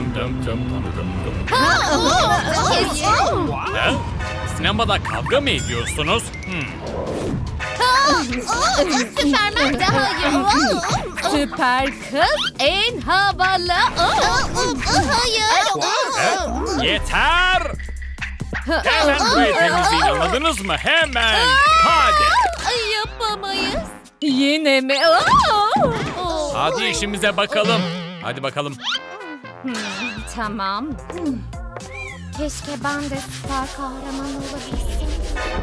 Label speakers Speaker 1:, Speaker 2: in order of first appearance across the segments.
Speaker 1: Dım dım dım dım dım dım.
Speaker 2: Hayır.
Speaker 1: Sinemada kavga mı ediyorsunuz?
Speaker 2: Süpermen daha iyi.
Speaker 3: Süper kız en havalı.
Speaker 2: Hayır.
Speaker 1: Yeter! Hemen burayı temizleyin, anladınız mı? Hemen! Hadi!
Speaker 2: Yapamayız.
Speaker 3: Yine mi?
Speaker 1: Hadi işimize bakalım. Hadi bakalım.
Speaker 3: Tamam.
Speaker 2: Keşke ben de süper kahraman olabilsem.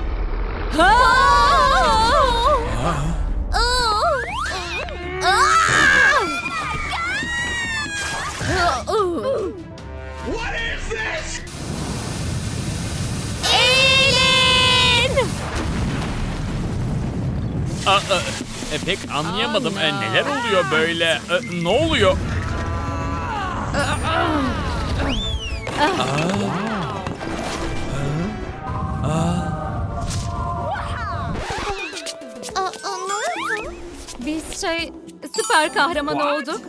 Speaker 1: Pek anlayamadım. Neler oluyor böyle? Ne oluyor?
Speaker 3: Biz süper kahraman olduk.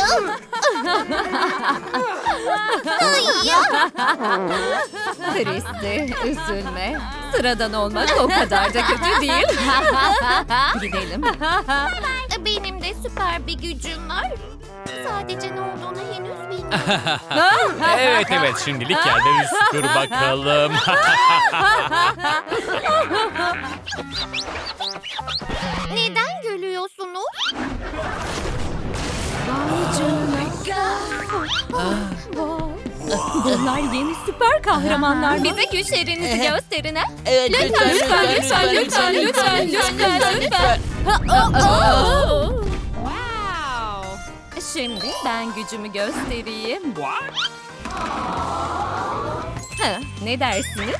Speaker 3: Christy, üzülme. Sıradan olmak o kadar da kötü değil. Gidelim.
Speaker 2: Benim de süper bir gücüm var. Sadece ne olduğunu henüz bilmiyorum.
Speaker 1: Evet, şimdilik yerleri süpür bakalım.
Speaker 2: Neden gülüyorsunuz?
Speaker 3: Bunlar yeni süper kahramanlar. Bize güçlerinizi gösterin ha.
Speaker 4: Evet,
Speaker 3: Lütfen. Şimdi ben gücümü göstereyim. Ne dersiniz?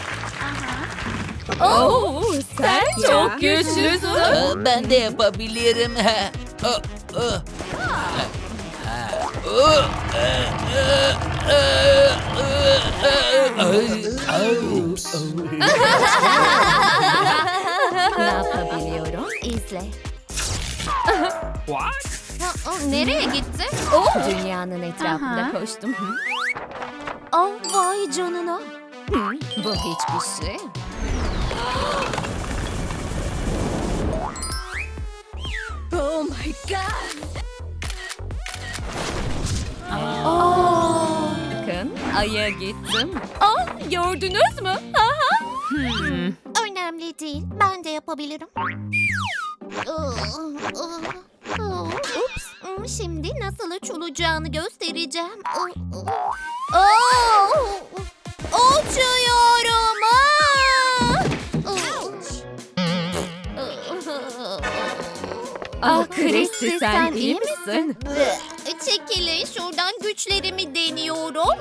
Speaker 3: Sen çok güçlüsün.
Speaker 4: Ben de yapabilirim.
Speaker 3: Ne yapabiliyorum?
Speaker 2: İzle. Nereye gitti?
Speaker 3: Dünyanın etrafında koştum.
Speaker 2: Vay canına.
Speaker 3: Bu hiçbir şey. Oh my god. Bakın Ay'a gittim. Gördünüz mü?
Speaker 2: Önemli değil. Ben de yapabilirim. Ups. Şimdi nasıl uçulacağını göstereceğim. Uçuyorum.
Speaker 3: Christy sen iyi misin?
Speaker 2: Çekilin şuradan, güçlerimi deniyorum.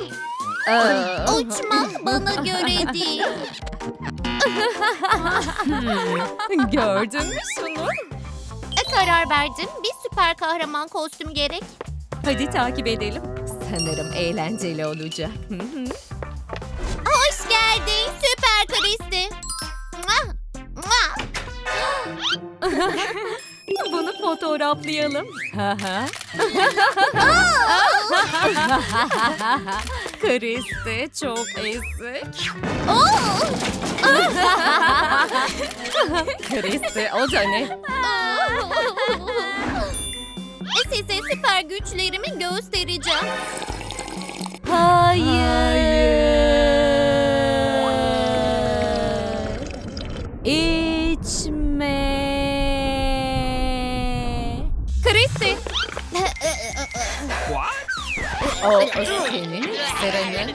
Speaker 2: Uçmak bana göre değil.
Speaker 3: Gördün mü şunu?
Speaker 2: Karar verdim. Bir süper kahraman kostüm gerek.
Speaker 3: Hadi takip edelim. Sanırım eğlenceli olacak.
Speaker 2: Hoş geldin süper Christy.
Speaker 3: Bunu fotoğraflayalım. Christy çok ezik. Christy o da ne?
Speaker 2: Size süper güçlerimi göstereceğim.
Speaker 3: İçme. Christy. O senin sıranın.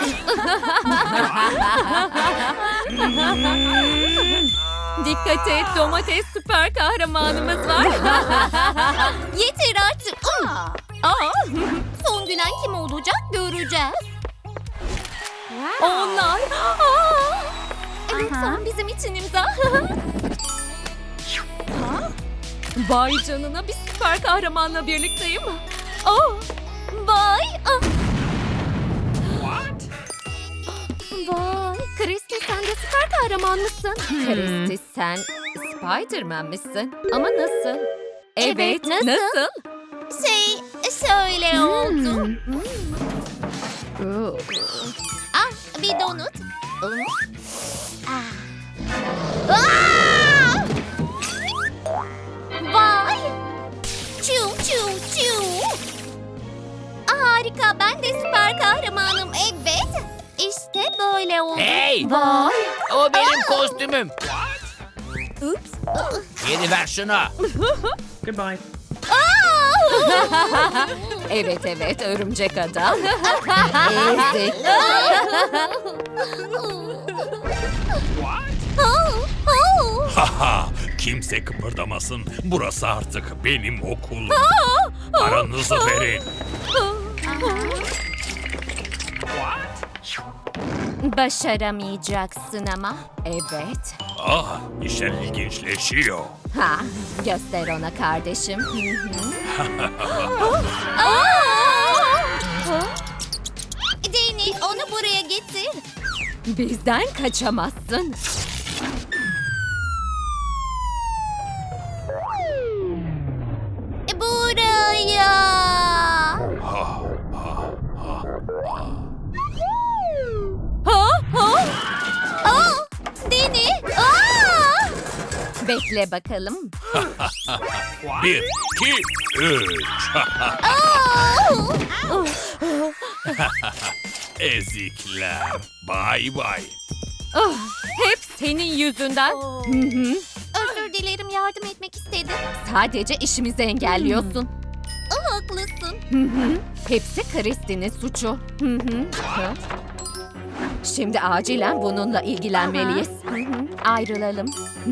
Speaker 3: Dikkat et, domates süper kahramanımız var.
Speaker 2: Yeter artık. Son gülen kim olacak göreceğiz.
Speaker 3: Onlar.
Speaker 2: Lütfen bizim için imza.
Speaker 3: Vay canına, bir süper kahramanla birlikteyim.
Speaker 2: Vay.
Speaker 3: Vay. Christy sen de süper kahraman mısın? Christy sen Spider-Man misin? Ama nasıl?
Speaker 2: Evet, nasıl?
Speaker 3: Nasıl?
Speaker 2: Şöyle oldu. Ah, bir donut. Aa! Vay! Çiu çiu çiu. Harika, ben de süper kahramanım. Evet. İşte böyle oldu.
Speaker 1: Hey!
Speaker 2: Vay!
Speaker 1: O benim kostümüm.
Speaker 2: Ups.
Speaker 1: Geri ver şunu.
Speaker 4: Goodbye.
Speaker 3: Evet, örümcek adam. Ezik.
Speaker 5: Haha, kimse kıpırdamasın. Burası artık benim okulum. Paranızı verin.
Speaker 3: Başaramayacaksın ama. Evet.
Speaker 5: Ah, işler ilginçleşiyor.
Speaker 3: Ha, göster ona kardeşim.
Speaker 2: Danny, onu buraya getir.
Speaker 3: Bizden kaçamazsın.
Speaker 2: Buraya. Danny.
Speaker 3: Bekle bakalım.
Speaker 5: 1, 2, 3. Ezikler. Bay bay.
Speaker 3: Oh, hep senin yüzünden.
Speaker 2: Özür dilerim, yardım etmek istedim.
Speaker 3: Sadece işimizi engelliyorsun.
Speaker 2: Haklısın.
Speaker 3: Hepsi Christie'nin suçu. Şimdi acilen bununla ilgilenmeliyiz. Ayrılalım.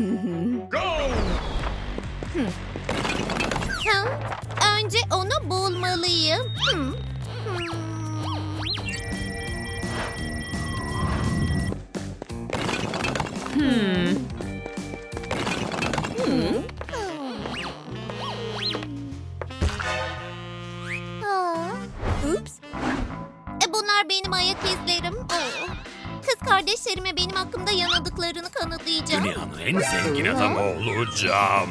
Speaker 2: Önce onu bulmalıyım. Ups. Bunlar benim ayak izlerim. Kız kardeşlerime benim hakkımda yanıldıklarını kanıtlayacağım.
Speaker 5: Dünyanın en zengin adamı olacağım.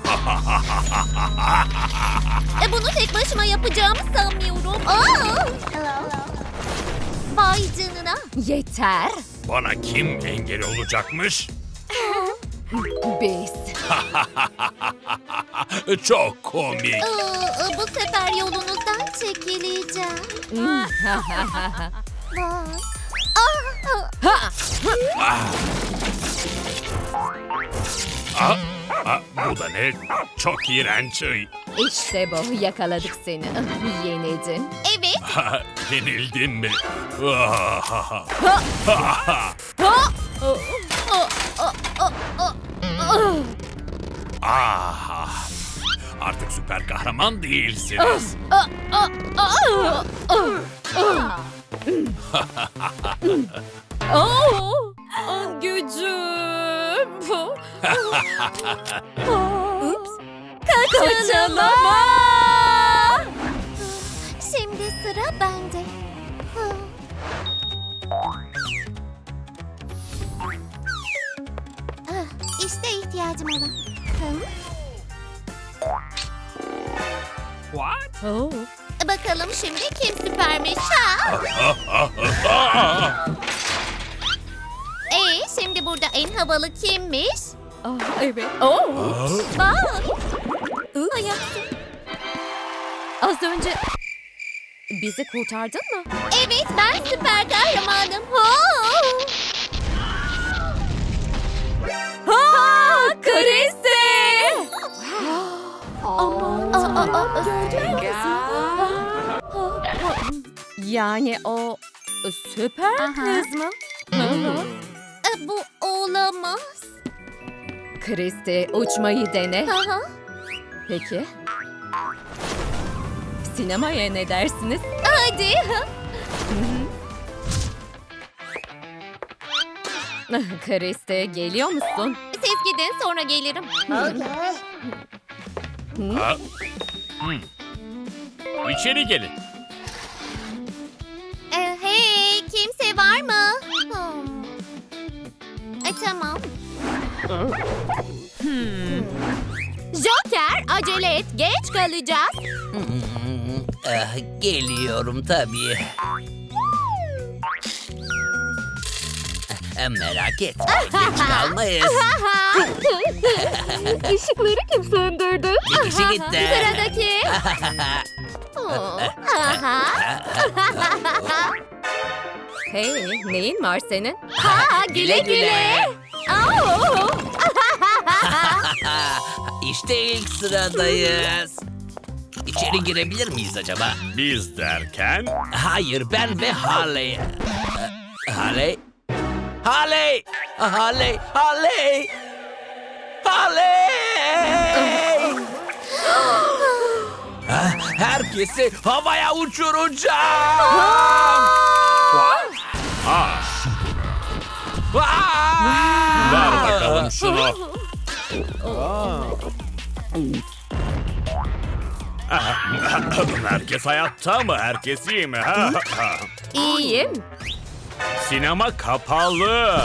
Speaker 2: Bunu tek başıma yapacağımı sanmıyorum. Vay canına.
Speaker 3: Yeter.
Speaker 5: Bana kim engel olacakmış?
Speaker 3: Biz.
Speaker 5: Çok komik.
Speaker 2: Bu sefer yolunuzdan çekileceğim. Vay.
Speaker 5: Bu da ne? Çok iğrenç.
Speaker 3: İşte bu. Yakaladık seni. Yenildin.
Speaker 2: Evet.
Speaker 5: Yenildin mi? Artık süper kahraman değilsiniz.
Speaker 3: Gücüm.
Speaker 2: Ups.
Speaker 3: Kaçalama.
Speaker 2: Şimdi sıra bende. İşte ihtiyacım olan. Bakalım şimdi kim süpermiş ha? Şimdi burada en havalı kimmiş?
Speaker 3: Evet.
Speaker 2: Bak. Ayaksın.
Speaker 3: Az önce bizi kurtardın mı?
Speaker 2: Evet, ben süper kahramanım.
Speaker 3: Christie! Yani o süper kız mı?
Speaker 2: Bu olamaz.
Speaker 3: Christie, uçmayı dene. Peki. Sinemaya ne dersiniz?
Speaker 2: Hadi.
Speaker 3: Christie, geliyor musun?
Speaker 2: Siz gidin, sonra gelirim.
Speaker 1: İçeri gelin.
Speaker 2: Hey, kimse var mı? Tamam. Joker, acele et. Geç kalacağız.
Speaker 6: Geliyorum tabii.
Speaker 4: Merak etme, geç kalmayız.
Speaker 3: Işıkları kim söndürdü?
Speaker 4: Bir kişi gitti.
Speaker 2: Sıradaki. Oo, aha.
Speaker 3: Hey, neyin var senin?
Speaker 2: Ha, güle güle. Oo.
Speaker 4: İşte ilk sıradayız. İçeri girebilir miyiz acaba?
Speaker 5: Biz derken
Speaker 4: Hayır, ben ve Harley. Harley? Harley! Harley! Harley! Harley! Herkesi havaya uçuracağım!
Speaker 5: ver bakalım şunu. Herkes hayatta mı? Herkes iyi mi?
Speaker 3: İyiyim.
Speaker 5: Sinema kapalı.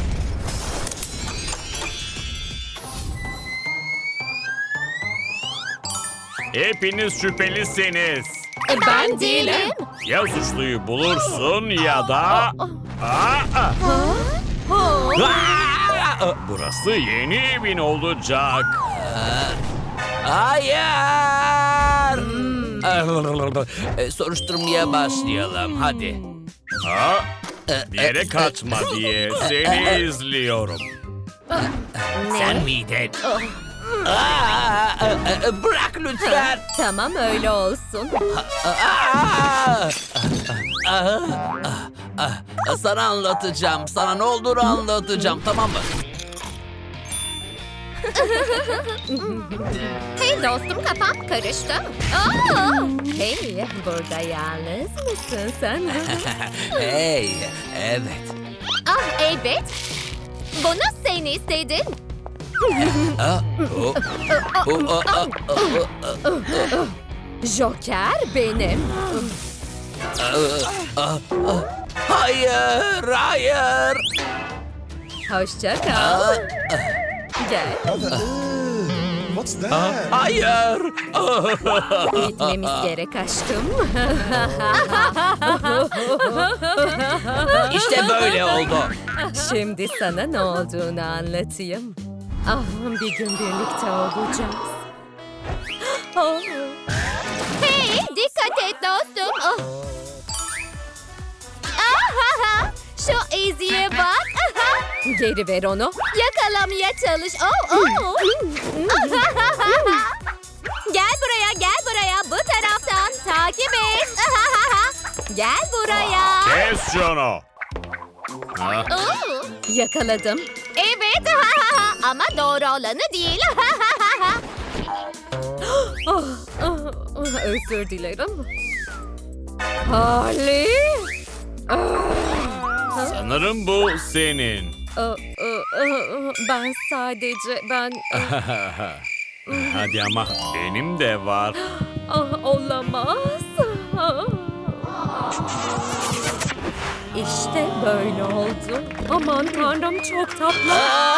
Speaker 5: Hepiniz şüphelisiniz.
Speaker 3: Ben değilim.
Speaker 5: Ya suçluyu bulursun ya da... Burası yeni evin olacak.
Speaker 4: Hayır! Soruşturmaya başlayalım, hadi.
Speaker 5: Bir yere kaçma diye seni izliyorum.
Speaker 4: Sen miydin? Bırak lütfen!
Speaker 3: Tamam, öyle olsun.
Speaker 4: Sana anlatacağım. Sana ne olduğunu anlatacağım, tamam mı?
Speaker 3: Hey dostum, kafam karıştı. Aa! Hey, burada yalnız mısın sen?
Speaker 4: Hey, evet.
Speaker 2: Ah evet. Bunu sen istedin.
Speaker 3: Joker benim.
Speaker 4: Hayır, hayır.
Speaker 3: Hoşça kal. Gel,
Speaker 6: What's that?
Speaker 4: Hayır.
Speaker 3: gitmemiz gerek aşkım.
Speaker 4: İşte böyle oldu.
Speaker 3: Şimdi sana ne olduğunu anlatayım. Ah, bir gün birlikte olacağız. Oh.
Speaker 2: Hey dikkat et dostum. Oh. Ahaha. Şu eziye bak. Aha.
Speaker 3: Geri ver onu.
Speaker 2: Yakalamaya çalış. Oh, oh. Ahahaha. Gel buraya, gel buraya. Bu taraftan takip et. Ahahaha. Gel buraya.
Speaker 5: Kes şunu.
Speaker 2: Oo.
Speaker 3: Yakaladım.
Speaker 2: Evet. Ahahaha. Ama doğru olanı değil. Ahahaha.
Speaker 3: Özür dilerim. Harley.
Speaker 5: Sanırım bu senin.
Speaker 3: Ben sadece
Speaker 5: Hadi ama benim de var.
Speaker 3: olamaz. İşte böyle oldu. Aman tanrım, çok tatlı.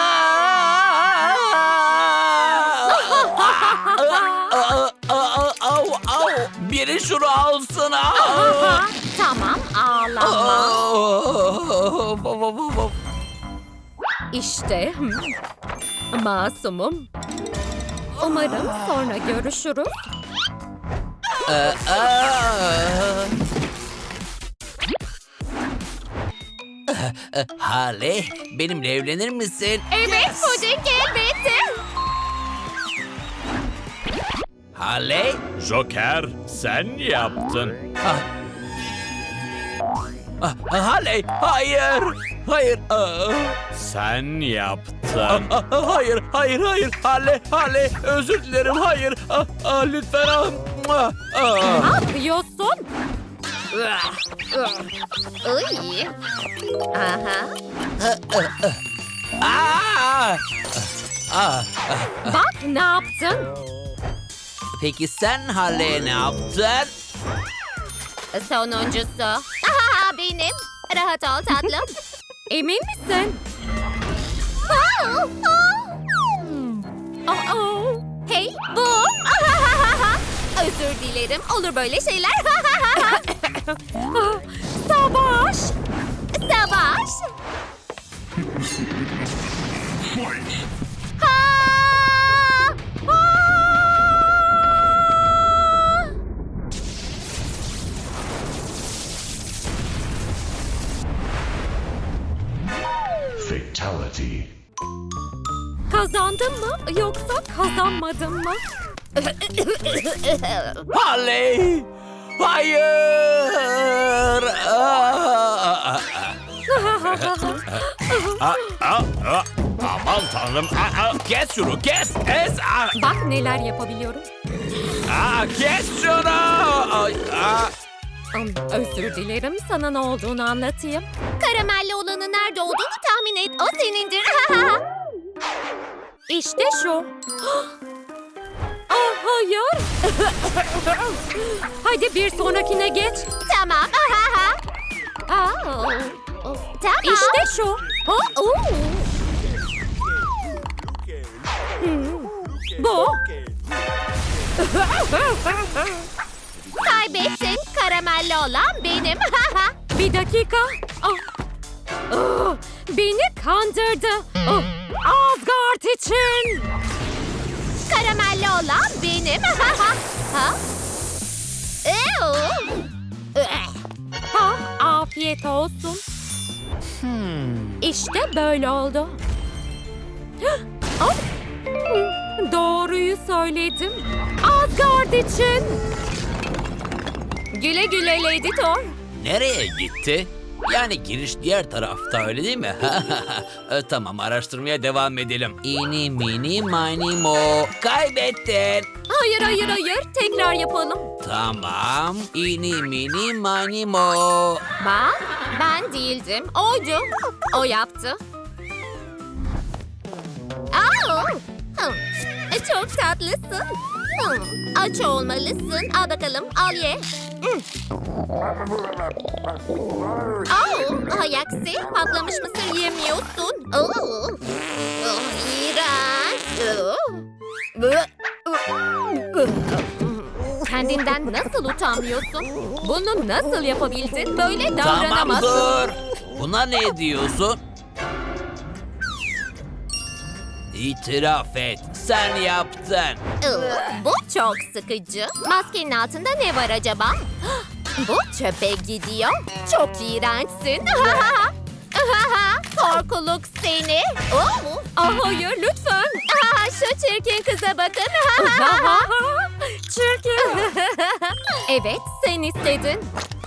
Speaker 4: Biri şunu alsın.
Speaker 2: Tamam, ağlama.
Speaker 3: İşte masumum. Umarım sonra görüşürüz.
Speaker 4: Harley, benimle evlenir misin?
Speaker 2: Evet, puding elbette.
Speaker 4: Harley?
Speaker 5: Joker sen yaptın.
Speaker 4: Harley, hayır. Hayır.
Speaker 5: Sen yaptın.
Speaker 4: Hayır, hayır, hayır. Harley, özür dilerim. Hayır. Lütfen.
Speaker 3: Ne yapıyorsun?
Speaker 2: Uy. Aha.
Speaker 3: Bak ne yaptın?
Speaker 4: Peki sen Harley'e ne yaptın?
Speaker 2: Sonuncusu. Aha, benim. Rahat ol tatlım.
Speaker 3: Emin misin?
Speaker 2: Hey, bum. Özür dilerim. Olur böyle şeyler.
Speaker 3: Savaş.
Speaker 2: Savaş.
Speaker 6: Fatality.
Speaker 3: Kazandın mı yoksa kazanmadın mı?
Speaker 4: Harley! Hayır!
Speaker 1: Aman tanrım.
Speaker 4: Kes şunu, kes!
Speaker 3: Bak neler yapabiliyorum.
Speaker 4: Kes şunu!
Speaker 3: Özür dilerim, sana ne olduğunu anlatayım.
Speaker 2: Karamelli olanın nerede olduğunu tahmin et. O senindir.
Speaker 3: İşte şu. Ah hayır. Hadi bir sonrakine geç.
Speaker 2: Tamam. Tamam.
Speaker 3: İşte şu. Bu.
Speaker 2: Kaybettin. Karamelli olan benim.
Speaker 3: Bir dakika. Beni kandırdı. Asgard için.
Speaker 2: Karamelli olan benim.
Speaker 3: Afiyet olsun. İşte böyle oldu. Doğruyu söyledim. Asgard için. Güle güle Lady Thor.
Speaker 4: Nereye gitti? Yani giriş diğer tarafta, öyle değil mi? Tamam, araştırmaya devam edelim. İni mini mini mo. Kaybettin.
Speaker 3: Hayır hayır hayır. Tekrar yapalım.
Speaker 4: Tamam. İni mini mini mo.
Speaker 3: Bak ben değildim. Oydu. O yaptı.
Speaker 2: Çok tatlısın. Aç olmalısın. Al bakalım. Al ye. Hay aksi. Patlamış mısır yemiyorsun. İğrenç.
Speaker 3: Kendinden nasıl utanmıyorsun? Bunu nasıl yapabildin? Böyle
Speaker 4: Tamam,
Speaker 3: davranamazsın.
Speaker 4: dur. Buna ne diyorsun? İtiraf et. Sen yaptın.
Speaker 2: Bu çok sıkıcı. Maskenin altında ne var acaba? Bu çöpe gidiyor. Çok iğrençsin. Korkuluk seni.
Speaker 3: Hayır lütfen.
Speaker 2: Şu çirkin kıza bakın.
Speaker 3: Çirkin. Evet sen istedin.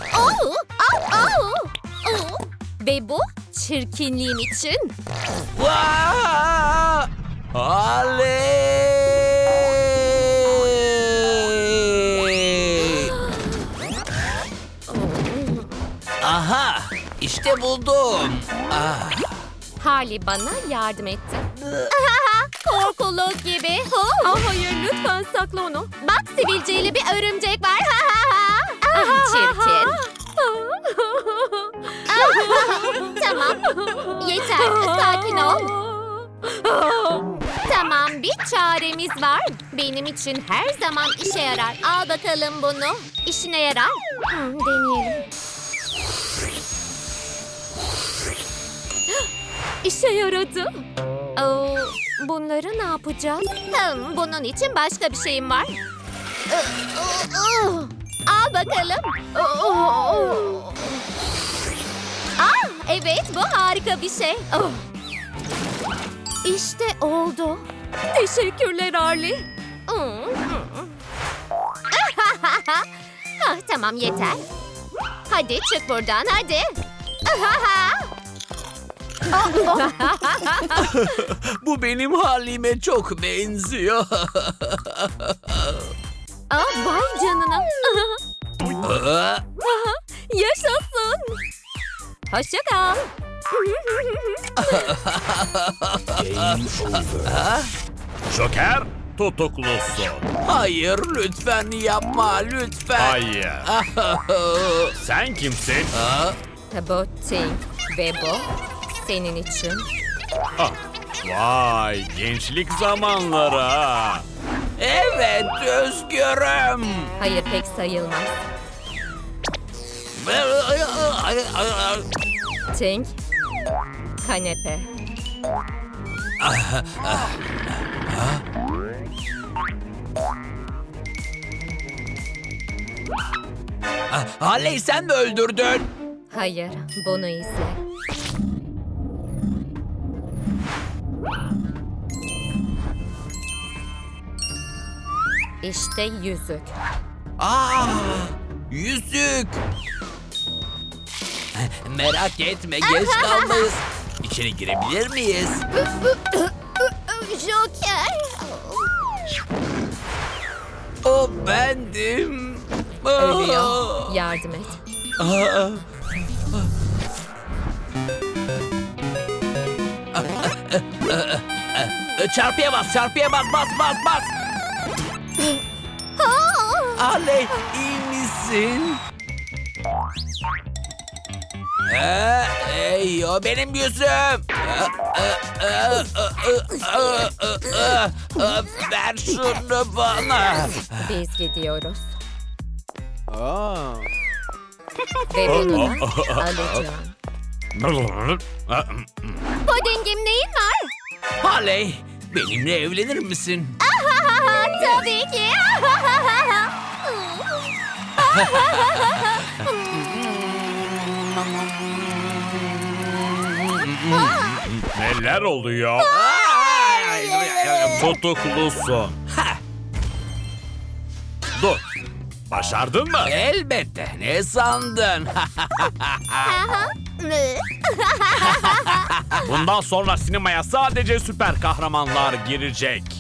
Speaker 3: Ve bu çirkinliğim için.
Speaker 4: Vaa! Oley! Aha! İşte buldum.
Speaker 3: Harley bana yardım etti.
Speaker 2: Korkuluk gibi.
Speaker 3: Hayır lütfen sakla onu.
Speaker 2: Bak sivilceli bir örümcek var. Çirkin. Tamam. Yeter. Sakin ol. Tamam, bir çaremiz var. Benim için her zaman işe yarar. Al bakalım bunu. İşine yarar. Deneyelim.
Speaker 3: İşe yaradı. Bunları ne yapacağız?
Speaker 2: Bunun için başka bir şeyim var. Al bakalım. Evet, bu harika bir şey.
Speaker 3: İşte oldu. Teşekkürler Harley.
Speaker 2: Tamam, yeter. Hadi çık buradan, hadi.
Speaker 4: Bu benim halime çok benziyor.
Speaker 3: Vay canına. Yaşasın. Hoşça kal.
Speaker 5: Joker tutuklusun.
Speaker 4: Hayır, lütfen yapma, lütfen.
Speaker 5: Hayır. Sen kimsin?
Speaker 3: Bu Tink ve bu senin için.
Speaker 1: Vay, gençlik zamanları ha.
Speaker 4: Evet, özgürüm.
Speaker 3: Hayır pek sayılmaz. Tink, Kanepe.
Speaker 4: Halley sen mi öldürdün?
Speaker 3: Hayır, bunu izle. İşte yüzük.
Speaker 4: Yüzük. Merak etme geç kalmayız. İçeri girebilir miyiz?
Speaker 2: Joker.
Speaker 4: O bendim.
Speaker 3: Ölüyor. Yardım et.
Speaker 4: Çarpıya bas, bas. Halley, iyi misin? O benim yüzüm. Ver şunu bana.
Speaker 3: Biz gidiyoruz.
Speaker 6: Oh.
Speaker 3: Ve bunu da alacağım.
Speaker 2: Pudingim neyin var?
Speaker 4: Halley, benimle evlenir misin?
Speaker 2: Tabii ki.
Speaker 5: Neler oluyor? Tutuklusun. Dur. Başardın mı?
Speaker 4: Elbette. Ne sandın?
Speaker 1: Bundan sonra sinemaya sadece süper kahramanlar girecek.